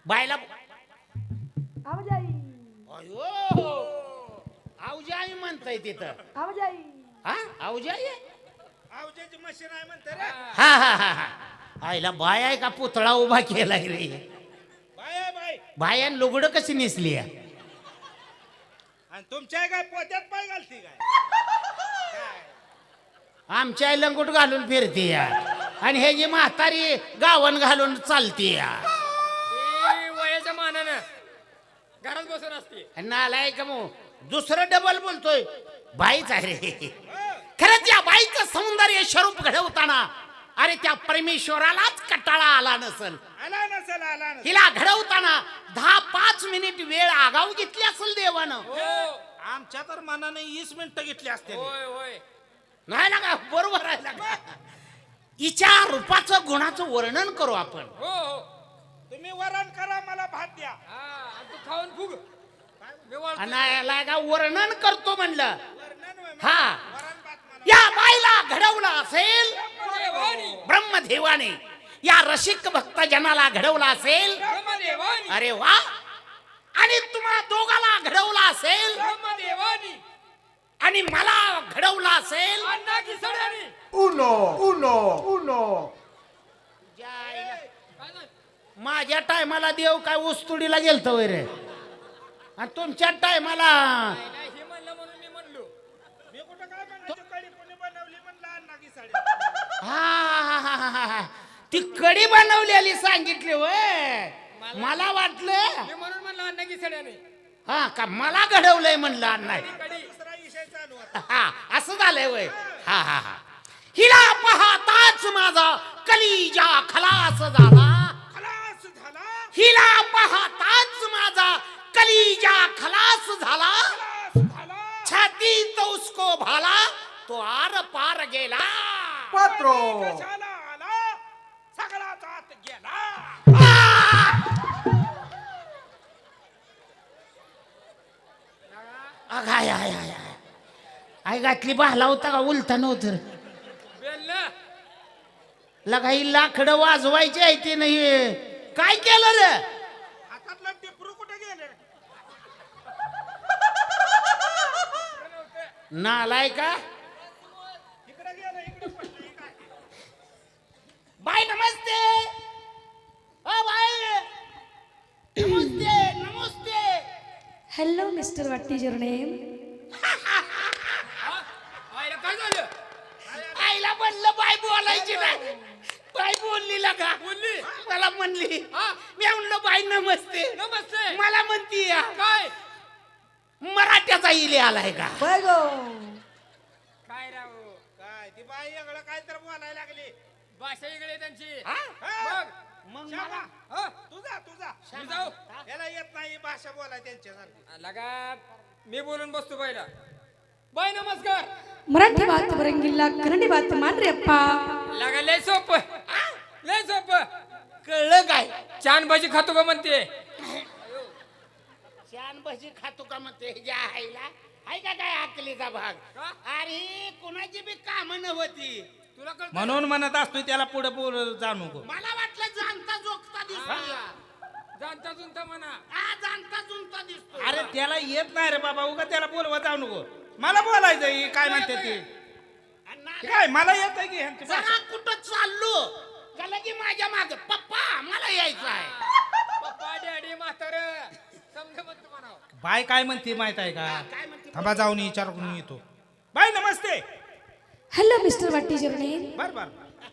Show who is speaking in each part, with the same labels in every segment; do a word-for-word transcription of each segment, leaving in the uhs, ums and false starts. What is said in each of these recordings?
Speaker 1: बायला
Speaker 2: आवाजाई
Speaker 1: अयो आऊजाई म्हणताय तिथं
Speaker 2: आवाजाई
Speaker 1: हा आऊजाई
Speaker 3: आवजाची मशीन आहे म्हणते रे.
Speaker 1: हा हा हा हा आईला बाय आहे का पुतळा उभा केलाय रे
Speaker 3: बाय आहे बाय.
Speaker 1: बायान लुगडं कशी नेसली आहे?
Speaker 3: आणि तुमच्या काय पोत्यात पाय घालती काय? काय?
Speaker 1: आमच्या आई लंगोट घालून फिरते या आणि हे जी म्हातारी गावन घालून चालते या
Speaker 4: ती वयाच्या मानानं घरात बसून असते.
Speaker 1: नालाय का मग दुसरं डबल बोलतोय बाईच आहे रे खरंच या बाईचं सौंदर्य स्वरूप घडवताना अरे त्या परमेश्वरालाच कटाळा आला नसल.
Speaker 3: आला नसेल आला नसेल.
Speaker 1: हिला घडवताना दहा पाच मिनिट वेळ आगाऊ घेतली असेल देवानं.
Speaker 4: हो
Speaker 3: आमच्या तर मनाने वीस मिनिटं घेतली असते.
Speaker 4: होय होय
Speaker 1: नाही ना का बरोबर आहे ना का हिच्या रूपाचं गुणाचं वर्णन करू आपण.
Speaker 4: हो हो
Speaker 3: तुम्ही वरण करा मला भात द्या.
Speaker 4: हा आणि तू खाऊन फुग मी वळतो.
Speaker 1: आणि याला का वर्णन करतो म्हणलं.
Speaker 3: वरण होय,
Speaker 1: हा
Speaker 3: वरण भात मला.
Speaker 1: या बाईला घडवलं असेल
Speaker 4: ब्रह्मदेवानी
Speaker 1: ब्रह्मदेवाने या रसिक भक्त जनाला घडवलं असेल.
Speaker 4: ब्रह्मदेवानी
Speaker 1: अरे वा आणि तुम्हा दोघाला घडवलं असेल
Speaker 4: ब्रह्मदेवानी
Speaker 1: आणि मला घडवलं असेल.
Speaker 4: अण्णा की सड्यानी
Speaker 5: Uno, uno, uno.
Speaker 1: जायला.
Speaker 4: काय झालं?
Speaker 1: माझ्या टायमाला देव काय उस्तुडीला गेलतो वय रे आणि तुमच्या टायमाला
Speaker 4: नाही, नाही, हे म्हणलं म्हणून मी म्हणलो.
Speaker 3: मी कुठं काय म्हणायचं कढी कोणी बनवली म्हणलं अण्णा की साडी.
Speaker 1: हा हा हा हा हा ती कडी बनवलेली सांगितली वय मला वाटलं
Speaker 4: मी म्हणून म्हणलं अण्णा की सड्यानी
Speaker 1: हा का मला घडवलंय म्हणलं नाही.
Speaker 4: कडी
Speaker 3: दुसरा विषय चालू होता.
Speaker 1: हा असं झालंय वय हा हा हा हिला पाहताच माझा कलिजा खलास झाला.
Speaker 3: खलास झाला.
Speaker 1: हिला पाहताच माझा कलिजा खलास झाला.
Speaker 3: खलास झाला.
Speaker 1: छाती तो उसको भाला तो आर पार गेला.
Speaker 5: Cuatro.
Speaker 3: कशाला आला सगळा जात गेला.
Speaker 1: आय आय आय आय आय घातली बहला होता का उलटा नव्हतं
Speaker 4: बेललं
Speaker 1: लगा ही लाकडं वाजवायची आहे ते नाही काय केलं रे
Speaker 3: हातातलं टिपरू कुठे गेले.
Speaker 1: नालाय का
Speaker 3: इकडे गेलं इकडे पडलं. हे काय?
Speaker 1: बाय नमस्ते ओ बाय नमस्ते नमस्ते
Speaker 2: hello mister what is your name
Speaker 4: आईला काय झालं
Speaker 1: आईला म्हणलं बाय बोलायची नाही बाय बोलली लगा
Speaker 4: बोलली
Speaker 1: मला म्हणली
Speaker 4: हा
Speaker 1: मी म्हणलं बाय नमस्ते
Speaker 4: नमस्ते
Speaker 1: मला म्हणती या
Speaker 4: काय
Speaker 1: मराठ्याचा इले आलाय का
Speaker 2: बघो
Speaker 4: काय राव
Speaker 3: काय ती बाई एवढं काय तर बोलायला लागली.
Speaker 4: भाषा वेगळी आहे त्यांची
Speaker 1: हा?
Speaker 3: हा?
Speaker 4: बघ
Speaker 1: मग
Speaker 3: शाबा.
Speaker 1: मला
Speaker 4: हा
Speaker 3: तुझा तुझा
Speaker 4: मी जाऊ
Speaker 3: याला येत नाही भाषा बोलाय त्यांच्यासारखी.
Speaker 4: लगा मी बोलून बसतो बाईला बाय नमस्कार
Speaker 2: मराठी बात बरंगिल्ला कन्नडी बात मान रे अप्पा
Speaker 4: लगा लय सोप लय सोप
Speaker 1: कळलं काय
Speaker 4: छान भाजी खातो का म्हणते
Speaker 1: छान भजी खातो का म्हणते ज्या आईला आहे का काय आकलीचा भाग
Speaker 4: का?
Speaker 1: अरे कुणाची बी काम नव्हती
Speaker 4: तुला कळतं
Speaker 3: म्हणून म्हणत असतो त्याला पुढे पुढे जाऊ नको.
Speaker 1: मला वाटलं जाणता जोगता दिसतो
Speaker 4: जाणता जुनता म्हणा
Speaker 1: हा जाणता जुनता दिसतो
Speaker 3: अरे त्याला येत नाही रे बाबा उगा त्याला बोलवा जाऊ नको. मला बोलायचं ही काय म्हणते ती
Speaker 1: आणि ना-
Speaker 3: काय मला येत आहे की ह्यांची भाषा.
Speaker 1: जरा कुठं चाललो का की माझ्या माग पप्पा मला यायचं आहे
Speaker 4: पप्पा डॅडी म्हातार समजा म्हणतो म्हणा
Speaker 3: बाय काय म्हणते माहित आहे का
Speaker 1: काय म्हणते
Speaker 3: थांबा जाऊन विचार करून येतो. बाय नमस्ते.
Speaker 2: Hello mister what is your name
Speaker 3: बर बर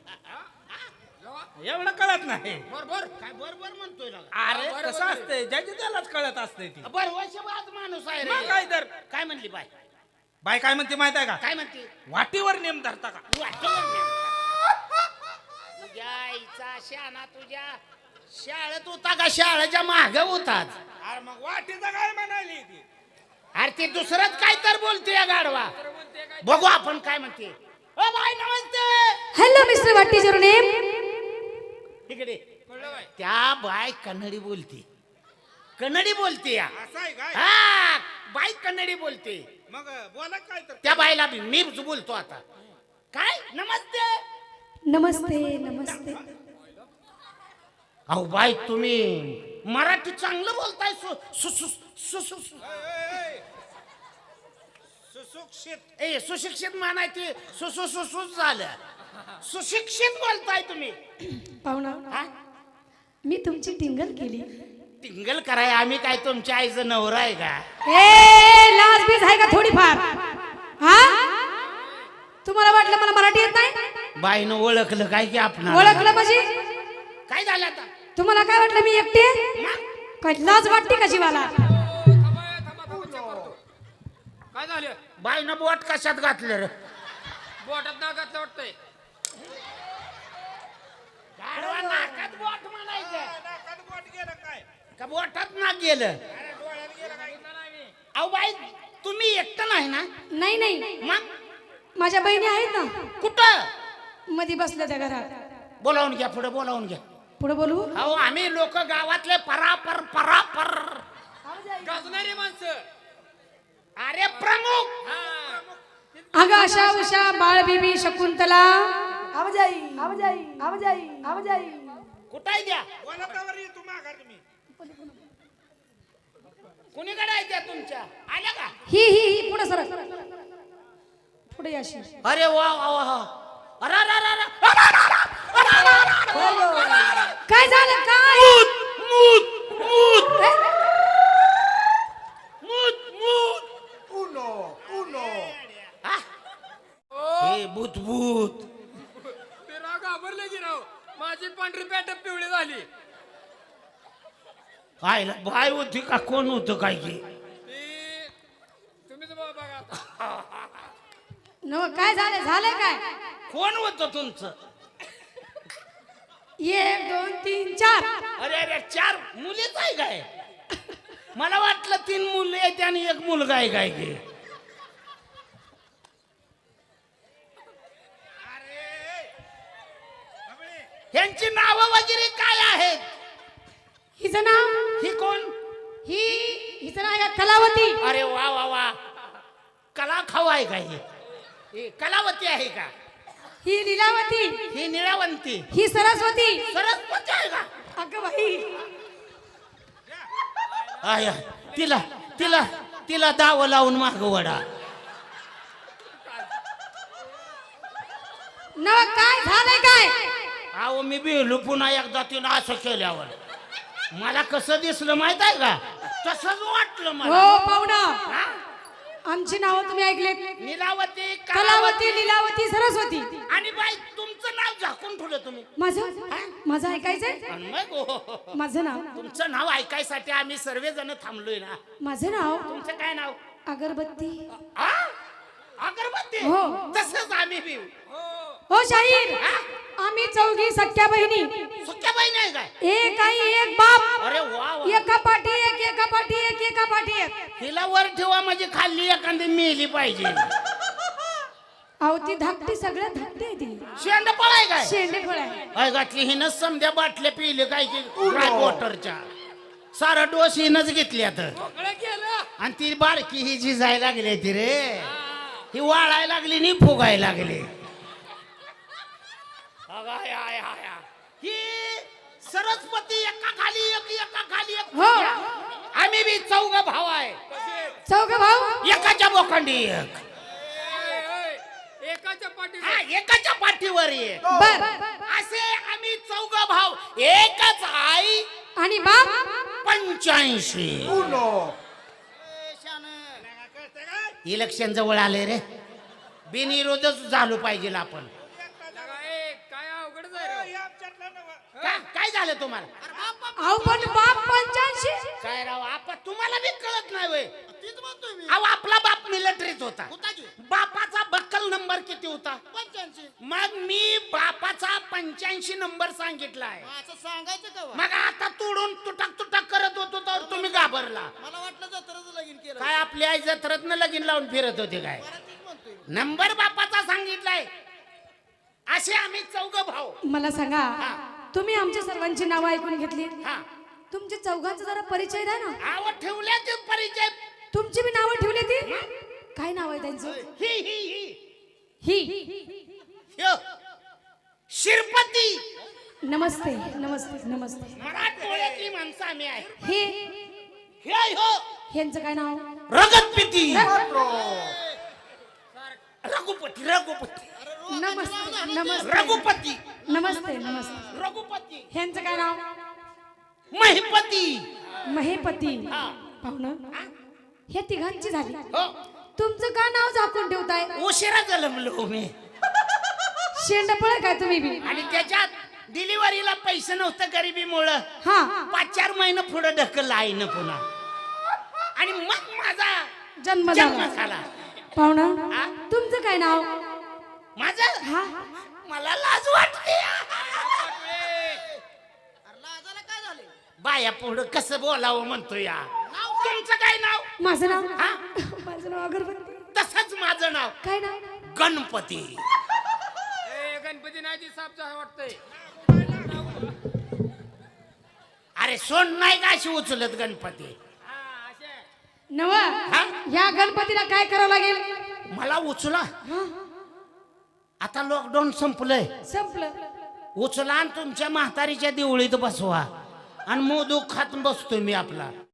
Speaker 3: एवढं कळत नाही.
Speaker 4: बरोबर
Speaker 1: काय बरोबर म्हणतोय ना
Speaker 3: अरे
Speaker 4: बरोबर
Speaker 3: कसं
Speaker 4: आहे.
Speaker 3: असते ज्याची त्यालाच कळत असते ती.
Speaker 1: बर वर्षबाद माणूस आहे
Speaker 3: मग
Speaker 1: रे
Speaker 3: काय तर
Speaker 1: काय म्हणली बाय
Speaker 3: बाय काय म्हणते माहित आहे का
Speaker 1: काय म्हणते
Speaker 3: वाटीवर नेम धरता का.
Speaker 1: तू आठवण घे. तुझ्या आईचा शाना तुझ्या शाळेत होता का शाळेच्या माग होताच
Speaker 3: अरे मग वाटीचं काय म्हणाली ती.
Speaker 1: अरे ते दुसरंच काय तर बोलते या गाडवा
Speaker 4: म्हणते काय
Speaker 1: बघू आपण काय म्हणते ओ बाय नमस्ते
Speaker 2: hello mister what is your name
Speaker 1: इकडे
Speaker 4: कळलं बाय
Speaker 1: त्या बाय कन्नडी बोलते कन्नडी बोलते या
Speaker 3: असं आहे काय
Speaker 1: हा बाई कन्नडी बोलते
Speaker 3: मग बोला काय तर
Speaker 1: त्या बाईला बी मी बोलतो आता काय नमस्ते
Speaker 2: नमस्ते नमस्ते
Speaker 1: अहो बाई तुम्ही मराठी चांगलं बोलताय सु सु सु सु सु सु-
Speaker 3: सुशिक्षित
Speaker 1: ए सुशिक्षित मानायची सु सु सु सु झालं सुशिक्षित बोलताय तुम्ही
Speaker 2: पाहुणा
Speaker 1: हा?
Speaker 2: मी तुमची टिंगल केली.
Speaker 1: टिंगल कराय आम्ही काय तुमच्या आईचं नवरा आहे का?
Speaker 2: ए लाज बीज आहे का थोडीफार? हा तुम्हाला वाटलं मला मराठी येत नाही?
Speaker 1: बाईनं ओळखलं काय की आपण
Speaker 2: ओळखलं म्हणजे
Speaker 1: काय झालं आता?
Speaker 2: तुम्हाला काय वाटलं मी एकटी आहे? काय लाज वाटते का जीवाला?
Speaker 4: थांबा थांबा थांबा check करतो. काय झालं
Speaker 1: बाईनं बोट कशात घातलं रे?
Speaker 4: बोटात ना घातलं वाटतंय.
Speaker 1: गाढवा नाकात बोट म्हणायचं
Speaker 3: नाकात बोट गेलं काय
Speaker 1: का बोटात ना गेलं?
Speaker 3: अरे डोळ्यात गेलं काय
Speaker 1: अहो बाई तुम्ही एकटं नाही ना?
Speaker 2: नाही नाही
Speaker 1: मग
Speaker 2: माझ्या बहिणी आहेत ना
Speaker 1: कुठं
Speaker 2: मध्ये बसल्या त्या घरात.
Speaker 1: बोलावून घ्या पुढे बोलावून घ्या.
Speaker 2: पुढे बोलू.
Speaker 1: अहो आम्ही लोक गावातले परापर परापर
Speaker 4: गाजणारी माणसं.
Speaker 1: अरे प्रमुख
Speaker 4: हा.
Speaker 2: अगं आशा उषा बाळ बीबी शकुंतला
Speaker 6: आवाजाई आवाजाई आवाजाई आवाजाई
Speaker 1: कुठाय द्या
Speaker 3: बोलतावर ये तू माघार तुम्ही
Speaker 1: कुणीकडे आहे त्या तुमच्या आल्या का?
Speaker 2: ही ही ही पुढे सर पुढे अशी.
Speaker 1: अरे वा वा वा अरे अरे अरे अरे अरे, अरे, अरे, अरे, अरे, अरे.
Speaker 2: काय झालं काय?
Speaker 1: मूत मूत
Speaker 2: ए,
Speaker 1: मूत मूत
Speaker 5: Uno, uno.
Speaker 1: हा? हे भूत भूत
Speaker 4: ते राव घाबरले की राव. माझी पांढरी पॅट पिवळी झाली.
Speaker 1: काय बाय होती का कोण होतं काय की?
Speaker 4: ती तुम्हीच बघा बघा आता.
Speaker 2: नव काय झालं झालं काय?
Speaker 1: कोण होतं तुमचं?
Speaker 2: एक दोन तीन चार.
Speaker 1: अरे अरे चार मुलीच आहे काय? मला वाटलं तीन मुलं आहेत आणि एक मुलगा आहे काय की? यांची नावं वगैरे काय आहेत?
Speaker 2: हिचं नाव
Speaker 1: ही कोण?
Speaker 2: ही हिचं नाव आहे का कलावती?
Speaker 1: अरे वा वा वा कला खाऊ आहे का ही? ही कलावती आहे का?
Speaker 2: ही लीलावती.
Speaker 1: ही निळावंती
Speaker 2: ही सरस्वती.
Speaker 1: सरस्वती आहे का?
Speaker 2: अगं बाई
Speaker 1: आया तिला तिला तिला दाव लावून माग वडा.
Speaker 2: नव काय झालंय काय?
Speaker 1: अहो मी बेलू पुन्हा एकदा तिनं असं केल्यावर मला कसं दिसलं माहित आहे का? तसंच वाटलं मला.
Speaker 2: हो पाहुणा
Speaker 1: हा?
Speaker 2: आमची नावं तुम्ही ऐकलेत.
Speaker 1: निलावती
Speaker 2: कलावती लीलावती सरस्वती.
Speaker 1: आणि बाई तुमचं नाव झाकून ठेवलं तुम्ही.
Speaker 2: माझं माझं ऐकायचंय.
Speaker 1: आणि मग हो,
Speaker 2: माझं नाव
Speaker 1: तुमचं नाव ऐकायसाठी आम्ही सर्वजण थांबलोय ना.
Speaker 2: माझं नाव
Speaker 1: तुमचं काय नाव?
Speaker 2: अगरबत्ती.
Speaker 1: आ? अगरबत्ती.
Speaker 2: हो.
Speaker 1: तसंच आम्ही बी
Speaker 2: हो शाहीर आम्ही चौघी सख्या बहिणी.
Speaker 1: सुक्या बाई नाही काय?
Speaker 2: एक आई एक बाप.
Speaker 1: अरे वा वा.
Speaker 2: एका पाठी एक एका पाठी एक एका पाठी एक.
Speaker 1: हिला वर ठेवा म्हणजे खाल्ली एखादी मेली पाहिजे.
Speaker 2: अहो ती धाकटी सगळ्यात धाकटी आहे ती.
Speaker 1: शेंड पळाय काय?
Speaker 2: शेंडेफळ आहे.
Speaker 1: काय घातली हिनं समध्या बाटल्या पिले काय की ड्राय वॉटरच्या सारा डोस हिनच घेतल्या तर.
Speaker 4: सगळं केलं.
Speaker 1: आणि ती बारकी ही झिजायला लागली ती रे. ही वाळायला लागली नि फुगायला लागली. अगाय, आय, आय, आय. ही सरस्वती एका खाली एक एका खाली एक.
Speaker 2: हो.
Speaker 1: आम्ही बी चौघ भाव आहे.
Speaker 2: चौघ भाऊ.
Speaker 1: एकाच्या बोखंडी एक.
Speaker 4: ए, ए, एकाच्या पाठी
Speaker 1: हा एकाच्या पाठीवर एक.
Speaker 2: बर
Speaker 1: असे आम्ही चौघ भाव एकच आई
Speaker 2: आणि बाप.
Speaker 1: पंच्याऐंशी.
Speaker 5: Uno.
Speaker 3: कळतं काय
Speaker 1: इलेक्शन जवळ आले रे. बिनविरोधच झालो पाहिजे आपण.
Speaker 4: ए, काय अवघडच आहे राव.
Speaker 3: हे आमच्यातलं नवं.
Speaker 1: का काय झालं तुम्हाला?
Speaker 2: अहो पण बाप पंच्याऐंशी.
Speaker 1: काय राव आपा तुम्हाला बी कळत नाही वय. अहो आपला बाप मिलिटरीत होता. बापाचा बक्कल नंबर किती होता? पंच्याऐंशी. मग मी बापाचा पंच्याऐंशी नंबर सांगितला आहे.
Speaker 7: सांगायचं का
Speaker 1: मग आता तोडून तुटक तुटक करत होतो तर तुम्ही घाबरला.
Speaker 7: मला वाटलं जत्राचं लगीन केलं
Speaker 1: काय आपली आई जत्रत्न लगीन लावून फिरत होते काय? नंबर बापाचा सांगितलाय. असे आम्ही चौघ भाऊ.
Speaker 2: मला सांगा तुम्ही आमच्या सर्वांची नावं ऐकून घेतली.
Speaker 1: हा
Speaker 2: तुमच्या चौघांचा जरा परिचय द्या ना.
Speaker 1: नाव ठेवल्याचे परिचय.
Speaker 2: तुमची बी नावं ठेवली ती. काय नाव आहे त्यांचं?
Speaker 1: ही ही ही
Speaker 2: ही.
Speaker 1: ह्यो. शिरपती.
Speaker 2: नमस्ते नमस्ते नमस्ते.
Speaker 1: मराठवाड्यातली माणसं सामी आहे
Speaker 2: हे
Speaker 1: हे आहे हो
Speaker 2: ह्यांचं काय नाव
Speaker 1: रगतपिती
Speaker 5: Cuatro.
Speaker 1: रघुपती रघुपती
Speaker 2: नमस्ते नमस्ते
Speaker 1: रघुपती
Speaker 2: नमस्ते नमस्ते
Speaker 1: रघुपती
Speaker 2: ह्यांचं काय नाव
Speaker 1: महिपती
Speaker 2: महेपती
Speaker 1: हा.
Speaker 2: पाहुणं हे तिघांची झाली
Speaker 1: हो
Speaker 2: तुमचं का नाव झाकून ठेवताय
Speaker 1: उशिरा जन्मलो मी
Speaker 2: शेंडपळ काय तुम्ही बी
Speaker 1: आणि त्याच्यात डिलिव्हरीला पैसे नव्हतं गरिबीमुळं
Speaker 2: हा
Speaker 1: पाच चार महिने पुढे ढकललं आईनं पुन्हा आणि मग माझा
Speaker 2: जन्म
Speaker 1: जन्म
Speaker 2: झाला
Speaker 1: झाला
Speaker 2: पाहुणं
Speaker 1: हा?
Speaker 2: तुमचं काय नाव
Speaker 1: माझं
Speaker 2: हा
Speaker 1: मला लाज वाटते
Speaker 7: अरे लाजाला काय झाले
Speaker 1: बाया पुढं कसं बोलावं म्हणतो या तुमचं काय नाव
Speaker 2: माझं नाव
Speaker 1: हा?
Speaker 2: माझं नाव अगरबत्ती
Speaker 1: तसंच माझं नाव
Speaker 2: काय नाव
Speaker 1: गणपती
Speaker 4: ए गणपती नाही ती साप जा वाटतंय
Speaker 1: अरे सोन नाही का अशी उचलत गणपती
Speaker 4: हा असे
Speaker 2: नव
Speaker 1: हा?
Speaker 2: या गणपतीला काय करावं लागेल
Speaker 1: मला उचला
Speaker 2: हा,
Speaker 1: आता लॉकडाऊन संपलंय
Speaker 2: संपलं
Speaker 1: उचला आणि तुमच्या म्हातारीच्या देवळीत बसवा आणि मोदूक खात बसतो मी आपला